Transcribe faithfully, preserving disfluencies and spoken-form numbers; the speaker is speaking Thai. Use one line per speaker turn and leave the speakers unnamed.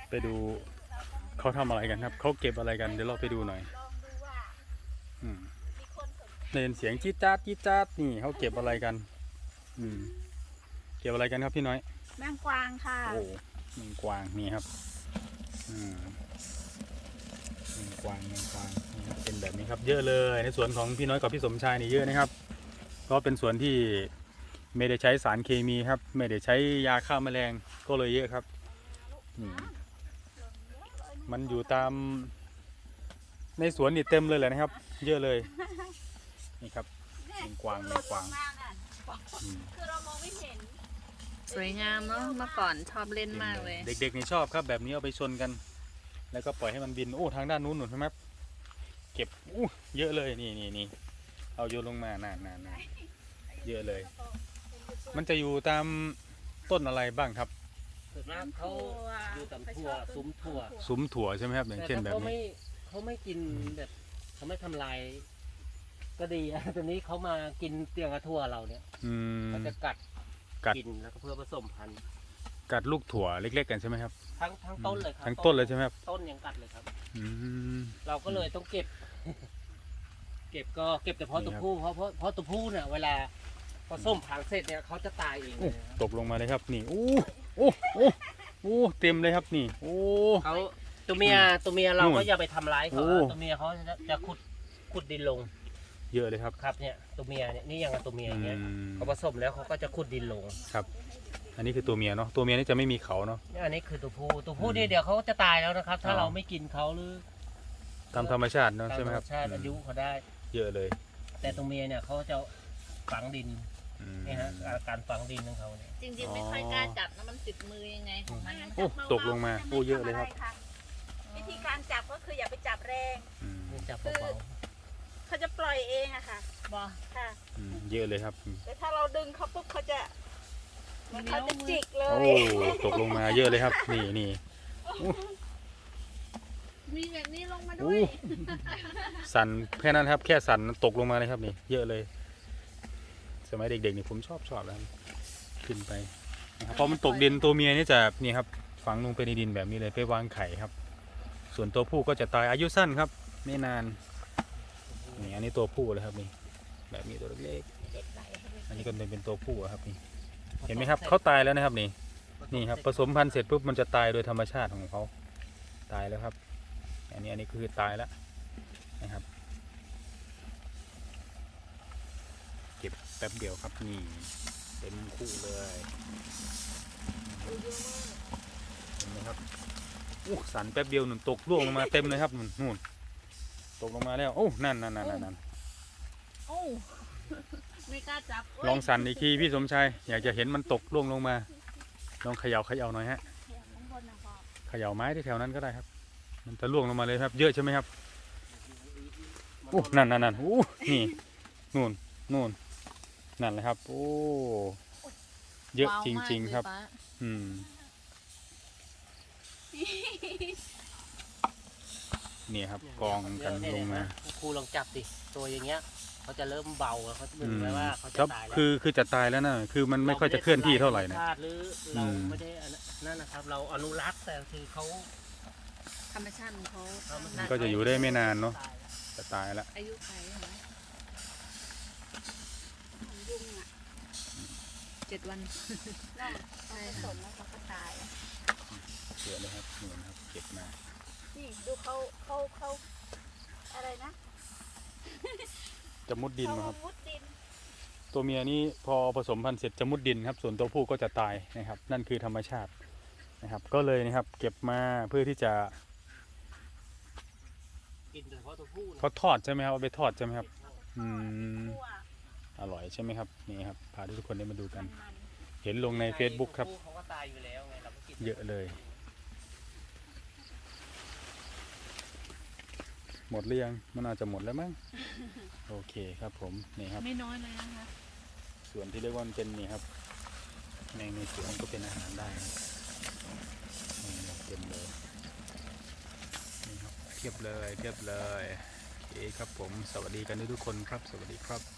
ไปดูเขาทำอะไรกันครับเขาเก็บอะไรกันเดี๋ยวเราไปดูหน่อยอืมได้ยินเสียงจี๊ดจ๊าดจี๊ดจ๊าดนี่เขาเก็บอะไรกันอืมเก็บอะไรกันครับพี่น้อย
แมงกวางค่ะ
โอ้แมงกวางนี่ครับอืมแมงกวางแมงกวางนี่ครับเป็นแบบนี้ครับเยอะเลยในสวนของพี่น้อยกับพี่สมชายนี่เยอะนะครับก็เป็นสวนที่ไม่ได้ใช้สารเคมีครับไม่ได้ใช้ยาฆ่าแมลงก็เลยเยอะครับนี่มันอยู่ตามในสวนนี่เต็มเลยแหละนะครับเยอะเลยนี่ครับแมงกวางแมงกวาง
คือเรามองไม่เห็น
สวยงามเนาะเมื่อก่อนชอบเล่นมากเลย
เด็กๆนี่ชอบครับแบบนี้เอาไปชนกันแล้วก็ปล่อยให้มันบินโอ้ทางด้านนู้นหนุนใช่ไหมเก็บอู้เยอะเลยนี่นี่นี่เอาโยนลงมานานนานเยอะเลยมันจะอยู่ตามต้นอะไรบ้างครับ
ส่วนมากเขาอยู่ตามถั่วซุ้มถั่ว
ซุ้มถั่วใช่ไหมครับอย่างเช่นแบบนี้
เขาไม่เขาไม่กินแบบเขาไม่ทำลายก็ดีอ่ะตอนนี้เขามากินเตียงกระถั่วเราเนี่ยเขาจะกัดกัดกินแล้วก็เพื่อผสมพันธุ์
กัดลูกถั่วเล็กๆกันใช่ไหมครับ
ทั้งทั้งต้นเลยครับ
ทั้งต้นเลยใช่ไหมครับ
ต้นยังกัดเลยครับ
อืม
เราก็เลยต้องเก็บเก็บก็เก็บแต่เพาะตัวผู้เพราะเพราะเพราะตัวผู้เนี่ยเวลาผสมพันธุ์เสร็จเนี่ยเขาจะตายเอง
ตกลงมาเลยครับนี่โอ้โอ้โอ้โอ้เต็มเลยครับนี่โอ้
เขาตัวเมียตัวเมียเราก็อย่าไปทำร้ายเขาตัวเมียเขาจะจะขุดขุดดินลง
เยอะเลยครับ
ครับเนี่ยตัวเมียเนี่ยนี่ยังตัวเมียอย่างเงี้ยเขาผสมแล้วเขาก็จะขุดดินลง
ครับอันนี้คือตัวเมียเนาะตัวเมียนี่จะไม่มีเขาเนาะ
อันนี้คือตัวผู้ตัวผู้เนี่ยเดี๋ยวเขาจะตายแล้วนะครับถ้าเราไม่กินเขาหรือ
ตามธรรมชาติเนาะใช่ไหมครับ
ธรรมชาติอายุเขาได้
เยอะเลย
แต่ตัวเมียเนี่ยเขาจะฝังดินนี่ฮะอาการฝังดินของเขาเนี่ย
จริงๆไม่ค่อยกล้าจับนะมันติดมือยังไงของมัน
โอ้ตกลงมาโอ้เยอะเลยครับ
วิธีการจับก็คืออย่าไปจับแรง
จับเบา
ๆเขาจะปล่อยเองอะค่ะบอค่ะ
เยอะเลยครับ
แต่ถ้าเราดึงเขาปุ๊บเขาจะเขาจะจิกเลย
โอ้ตกลงมาเยอะเลยครับนี่นี่
มีแบบนี้ลงมาด้วย
สั่นแค่นั้นครับแค่สั่นตกลงมาเลยครับนี่เยอะเลยสมัยเด็กๆนี่ผมชอบชอบแล้วขึ้นไปพอมันตกดินตัวเมียนี่จะนี่ครับฝังลงไปในดินแบบนี้เลยไปวางไข่ครับส่วนตัวผู้ก็จะตายอายุสั้นครับไม่นานนี่อันนี้ตัวผู้เลยครับนี่แบบนี้ตัวเล็กๆอันนี้ก็เป็นเป็นตัวผู้ครับนี่เห็นไหมครับเขาตายแล้วนะครับนี่นี่ครับผสมพันธุ์เสร็จปุ๊บมันจะตายโดยธรรมชาติของเขาตายแล้วครับอันนี้อันนี้คือตายแล้วนะครับเก็บแป๊บเดียวครับนี่เต็มคู่เลยเห็นไหมครับอู้สันแป๊บเดียวหนุนตกล่วงลงมาเต็มเลยครับนู่นนู่นตกลงมาแล้วโอ้นั่นนั่นนั่นนั่น
โอ้ไม่กล้าจับ
ลองสั่นอีกทีพี่สมชายอยากจะเห็นมันตกล่วงลงมาลองเขย่าเขย่าหน่อยฮะเขย่าไม้ที่แถวนั้นก็ได้ครับมันจะล่วงลงมาเลยครับเยอะใช่ไหมครับโอ้นั่นนั่นนั่นโอ้นี่นู่นนู่นนั่นเลยครับโอ้เยอะจริงๆครับอืมนี่ครับกองกันลงมา
ครูลองจับดิตัวอย่างเงี้ยเขาจะเริ่มเบาแล้วเขาจะดูไว้ว่าเขาจะตายแล้ว
คือคือจะตายแล้วนะคือมันไม่ค่อยจะเคลื่อนที่เท่าไหร่นะ
หรือเราไม่ได้นั่นนะครับเราอนุรักษ์แต่คือเขา
ธรรมชาติของเขา
ก็จะอยู่ได้ไม่นานเนาะจะตายแล้ว
อายุใครใช่ไหม
ยุ่งอ่ะ
เจ็ดวัน
น่าผสมแล้วเขาก็ตาย
เสือเลยครับนี่นะครับเก็บมา
นี่ดูเขาเขาเขาอะไรนะ
จะมุดดินครับตัวเมียนี้พอผสมพันธุ์เสร็จจะมุดดินครับส่วนตัวผู้ก็จะตายนะครับนั่นคือธรรมชาตินะครับก็เลยนะครับเก็บมาเพื่อที่จะ
กินเฉพาะตัวผู้
เขาทอดใช่ไหมครับเอาไปทอดใช่ไหมครับอืมอร่อยใช่ไหมครับนี่ครับพาทุกคนได้มาดูกันเห็นลงใน เฟซบุ๊ก ครับเยอะเลยหมดหรือยังมันอาจจะหมดแล้วมั้งโอเคครับผมนี่ครับ
ไม่น้อยเลยนะคะ
ส่วนที่เรียกว่าเป็นนี่ครับในในสวนก็เป็นอาหารได้เต็มเลยนี่ครับเทียบเลยเทียบเลยโอเคครับผมสวัสดีกันทุกคนครับสวัสดีครับ